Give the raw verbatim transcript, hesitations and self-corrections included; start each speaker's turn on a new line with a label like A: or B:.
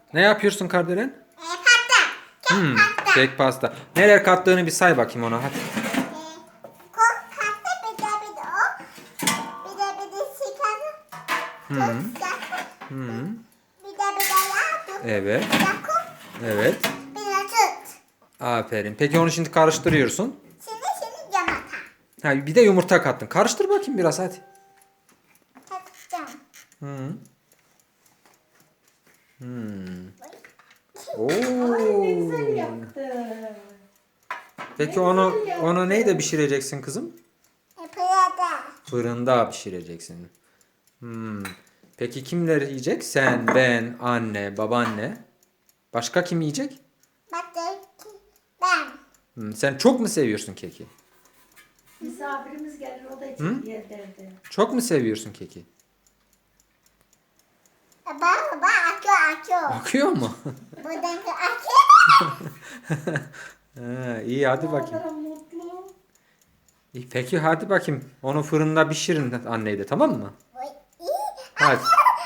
A: Ne yapıyorsun Kardelen?
B: E, pasta. Kek
A: Hmm,
B: pasta.
A: kek pasta. Neler kattığını bir say bakayım ona hadi.
B: E, kok pasta bir de bir de o. Bir de bir de şeker.
A: Hı.
B: Tuz yaktı.
A: Hı.
B: Bir de bir de yağ. Tuz
A: Evet.
B: yaktı.
A: Evet.
B: Bir de süt.
A: Aferin. Peki onu şimdi karıştırıyorsun.
B: Şimdi şimdi yumurta.
A: Ha, bir de yumurta kattın. Karıştır bakayım biraz hadi.
B: Takacağım.
A: Hı. Hmm.
C: Ne güzel
A: Oo.
C: yaptı.
A: Peki onu onu neyle pişireceksin kızım?
B: E, pırada.
A: Fırında pişireceksin. Hmm. Peki kimler yiyecek? Sen, ben, anne, babaanne. Başka kim yiyecek?
B: Bak de ki ben.
A: Hmm. Sen çok mu seviyorsun keki?
C: Misafirimiz gelir o da
A: Hı?
C: için yer derdi.
A: Çok mu seviyorsun keki?
B: E, bak bak akıyor akıyor.
A: Akıyor mu?
B: Buradan akıyor.
A: Ha, iyi hadi bakayım.
C: Kadar mutlu.
A: İyi, peki hadi bakayım. Onu fırında pişirin anneyle tamam mı?
B: Oy, iyi.
A: Hadi.